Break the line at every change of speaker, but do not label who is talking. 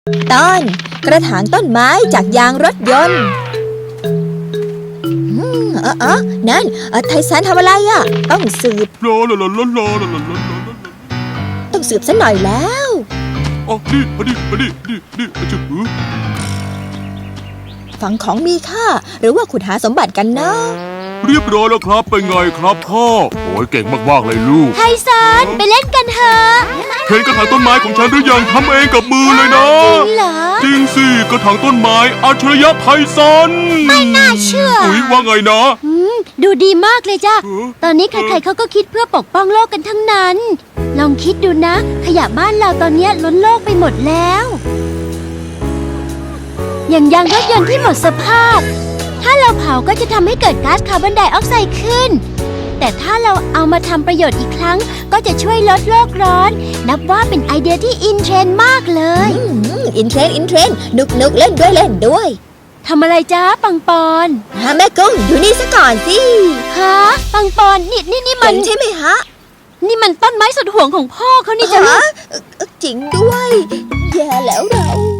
ตอนกระถางต้นไม้จากยางรถยนต์นั่นไทซันทำอะไรอ่ะต้องสืบซะหน่อยแล้ว
อ๋อนี่จุ๊บ
ฝังของมีค่าหรือว่าขุดหาสมบัติกันนะ
เรียบร้อยแล้วครับเป็นไงครับพ่อโอ้ยเก่งมากๆเลยลูก
ไทซันไปเล่นกันเถอะ
เห็นกระถางต้นไม้ของฉันหรือยังทำเองกับมือเลยนะ
จริงเหรอ
จริงสิกระถางต้นไม้อัจฉริยะไทซัน
ไม่น่าเชื่อ
ว่าไงนะ
ดูดีมากเลยจ้ะตอนนี้ใครๆเขาก็คิดเพื่อปกป้องโลกกันทั้งนั้นลองคิดดูนะขยะบ้านเราตอนนี้ล้นโลกไปหมดแล้วอย่างยางรถยนต์ที่หมดสภาพถ้าเราเผาก็จะทำให้เกิดก๊าซคาร์บอนไดออกไซด์ขึ้นแต่ถ้าเราเอามาทำประโยชน์อีกครั้งก็จะช่วยลดโลกร้อนนับว่าเป็นไอเดียที่อินเทรนด์มากเลย
อินเทรนด์นุกเล่นด้วย
ทำอะไรจ้าปังปอน
แม่กุ้งดูนี่ซะก่อนสิ
ฮะปังปอนนี่มัน
ใช่ไหมฮะ
นี่มันต้นไม้สุดห่วงของพ่อเขานี่จ้ะ
จริงด้วยแย่แล้วเรา